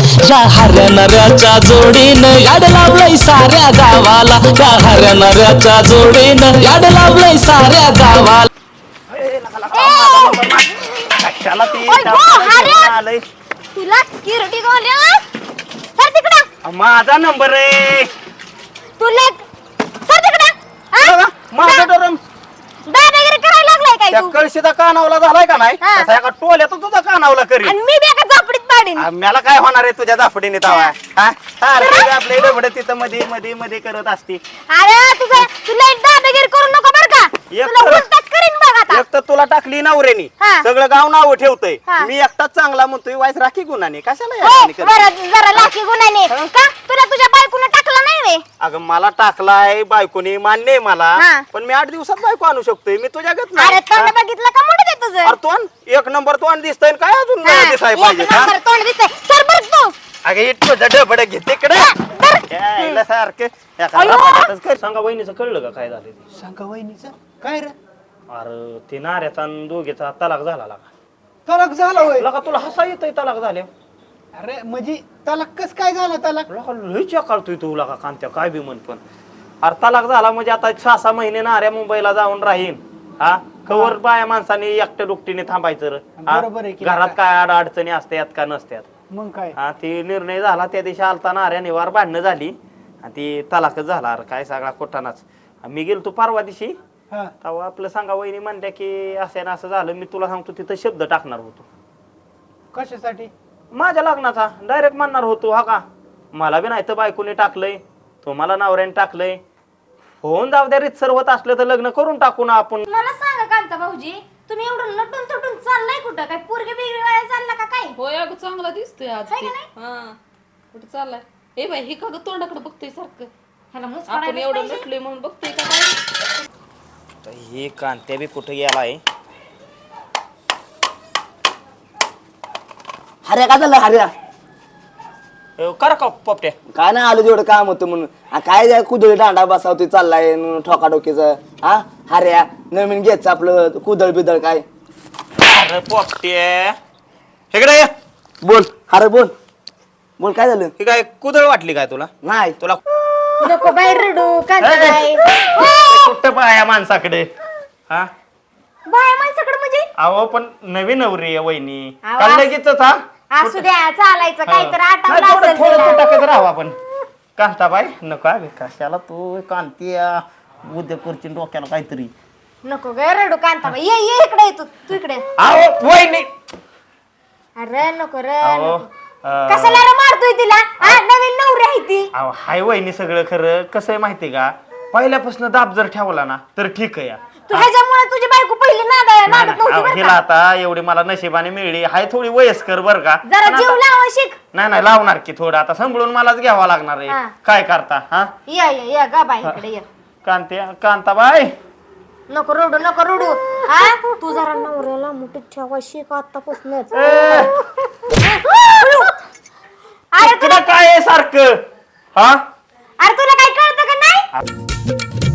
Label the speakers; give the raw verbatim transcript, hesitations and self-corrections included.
Speaker 1: या हऱ्या नऱ्याच्या जोडीनं याड लावलंय साऱ्या गावाला, या हऱ्या नऱ्याच्या जोडीनं याड लावलंय साऱ्या गावाला.
Speaker 2: कशाला ती आलंय
Speaker 3: तुला किरटी गोल्या सर तिकडं
Speaker 2: माझा नंबर आहे
Speaker 3: तुला सर तिकडं
Speaker 2: माझा डरम
Speaker 3: दादागिरी करायला लागलाय काय तू
Speaker 2: कळशीचा कानावला झालाय का नाही
Speaker 3: हा.
Speaker 2: तसा एका टोल्यात तुझा कानावला करी
Speaker 3: आणि मी बी एका झापडीत पाडीन
Speaker 2: मला काय होणार आहे तुझ्या दाफडीने तवा आपले डबडे तिथं मध्ये मध्ये मध्ये करत असते.
Speaker 3: अरे तुझं तुला दादागिरी करू नको बर का
Speaker 2: एक
Speaker 3: तुला
Speaker 2: तर-
Speaker 3: उलटाच करीन बघ आता
Speaker 2: एक तर तुला टाकली नवऱ्यानी
Speaker 3: हा.
Speaker 2: सगळं गाव नाव ठेवतंय
Speaker 3: हा.
Speaker 2: मी एकटाच चांगला म्हणतोय वाईस राखी गुन्हाने कशाला
Speaker 3: होय,
Speaker 2: याने करते?
Speaker 3: बरं जरा लाखी गुन्ह्याने
Speaker 2: हा?
Speaker 3: का तुला तुझ्या बायकोनं टाकलं नाही वे
Speaker 2: अगं मला टाकलाय बायकोनी मान्य आहे मला
Speaker 3: हा.
Speaker 2: पण मी आठ दिवसात बायको आणू शकतोय मी तुझ्या गत
Speaker 3: अरे
Speaker 2: नाही
Speaker 3: तोंड बघितलं का मोठं ते तुझं
Speaker 2: अरे तोंड एक नंबर तोंड दिसतंय काय अजून
Speaker 3: हा,
Speaker 2: दिसाय
Speaker 3: एक
Speaker 2: पाहिजे हा?
Speaker 3: नंबर तोंड दिसतंय सर बर तू
Speaker 2: अगं इतकं डबड घेते इकडे
Speaker 3: धर.
Speaker 2: यायला सारखं एका
Speaker 3: अयो.
Speaker 2: रपाटातच कर. सांगा वहिनीचं कळलं का काय झालं ते?
Speaker 4: सांगा वहिनीचं काय रे
Speaker 2: अरे ते नाऱ्याचा आणि दोघेचा तलाक झाला लागा
Speaker 4: तलाक झाला होय
Speaker 2: लका तुला हसा येतोय तलाक झाले
Speaker 4: अरे म्हणजे तलाक कस काय झाला तलाक
Speaker 2: लका लय चकाळतोय तू लका कांत्या काय बी म्हण पण अरे तलाक झाला म्हणजे आता सहा सहा महिने नाऱ्या मुंबईला जाऊन राहीन हा कवर बाया माणसाने एकट्या दुकटीने थांबायचं रे. हा?
Speaker 4: बरोबर आहे की
Speaker 2: घरात
Speaker 4: लका.
Speaker 2: काय अड अडचणी असतात का नसत्यात
Speaker 4: मग काय
Speaker 2: हा ती निर्णय झाला त्या दिवशी आलता नाऱ्या निवार भांडणं झाली आणि ती तलाकच झाला अरे काय सगळा कोटानाच मी गेलो तू परवा दिवशी
Speaker 4: हा
Speaker 2: तेव्हा आपलं सांगा वहिनी म्हणल्या की असं ना असं झालं मी तुला सांगतो तिथं शब्द टाकणार होतो
Speaker 4: कशासाठी
Speaker 2: माझ्या लग्नाचा डायरेक्ट म्हणणार होतो हा का मला बी नाही तर बायकोने टाकलंय तुम्हाला नवऱ्याने टाकलंय होऊन जाऊ द्या रीतसर होत असलं तर लग्न करून टाकू ना आपण
Speaker 3: मला सांगा कांता भाऊजी तुम्ही एवढं नटून तटून चाललाय कुठं काय पोरगे बिगडे वाया चालला का काय
Speaker 5: होय अगं चांगला दिसतोय आज
Speaker 3: हाय
Speaker 5: ते.
Speaker 3: का नाही?
Speaker 5: हा कुठे चाललाय ए बाई हे का ग तोंडाकडे बघतोय सारखं
Speaker 3: ह्याला मुस
Speaker 5: आपण
Speaker 3: पडायलाच
Speaker 5: एवढं
Speaker 3: पाहिजे.
Speaker 5: नटलोय म्हणून बघतोय का काय
Speaker 2: तर हे कांत्या बी कुठे गेलाय
Speaker 6: हऱ्या काय झालं हऱ्या
Speaker 2: कर का पोपट्या
Speaker 6: काय नाही आलो जेवढं काम होतं म्हणून आ, काय जाय कुदळी दांडा बसावती चाललाय ठोकाडोकीचं हा हऱ्या नवीन घ्यायचं आपलं कुदळ बिदळ काय
Speaker 2: अरे पोपट्या इकडे ये.
Speaker 6: बोल हरे बोल बोल काय झालं
Speaker 2: ही काय कुदळ वाटली काय तुला
Speaker 6: नाही
Speaker 2: तुला
Speaker 3: नको बाहेर रडू कांता बाई
Speaker 2: कुठं पाया माणसाकडे हा
Speaker 3: बाय माणसाकडे म्हणजे
Speaker 2: अहो पण नवीन नवरी आहे वहिनी
Speaker 3: अहो,
Speaker 2: काल
Speaker 3: असं-
Speaker 2: लगेचच हा
Speaker 3: असू द्या चालायचं काहीतरी
Speaker 2: नाही,
Speaker 3: आठवलं
Speaker 2: थोडं
Speaker 3: असेल
Speaker 2: थोडं
Speaker 3: तुला.
Speaker 2: तो टाकत राहावं आपण कांताबाई नका बे कशाला तू कांती उद्या करची डोक्याला काहीतरी
Speaker 3: नको ग रडू कांता बाई ये ये इकडे ये तू तू इकडे
Speaker 2: अहो वहिनी
Speaker 3: अरे नको रे
Speaker 2: अहो
Speaker 3: नको.
Speaker 2: अं,
Speaker 3: कशाला रे मारतोय तिला हा नवीन नवरी आहे ती
Speaker 2: अहो हाय वहिनी सगळं खरं कसं आहे माहितीये का पहिल्यापासून दाब जर ठेवला ना तर ठीक आहे या.
Speaker 3: तू ह्याच्यामुळे तुझी बायको पहिली नाद
Speaker 2: नाही,
Speaker 3: नादत
Speaker 2: नाही,
Speaker 3: नव्हती
Speaker 2: अहो,
Speaker 3: बरं
Speaker 2: हिला
Speaker 3: का?
Speaker 2: आता एवढी मला नशिबाने मिळली हाय थोडी वयस्कर बर का
Speaker 3: जरा
Speaker 2: पण
Speaker 3: जीव
Speaker 2: आता-
Speaker 3: लावा शिक
Speaker 2: नाही नाही लावणार की थोडं आता सांभाळून मलाच घ्यावा लागणार
Speaker 3: हा.
Speaker 2: आहे काय करता हा
Speaker 3: या या या गा बाई इकडे ये
Speaker 2: कांते कांताबाई
Speaker 3: नको रडू नको रडू हा तू जरा नवऱ्याला मुठीत ठेवा शिक आतापासूनच
Speaker 2: ए,
Speaker 3: अरे
Speaker 2: तुला काय आहे सारखं हा
Speaker 3: अरे तुला काय कळतं का नाही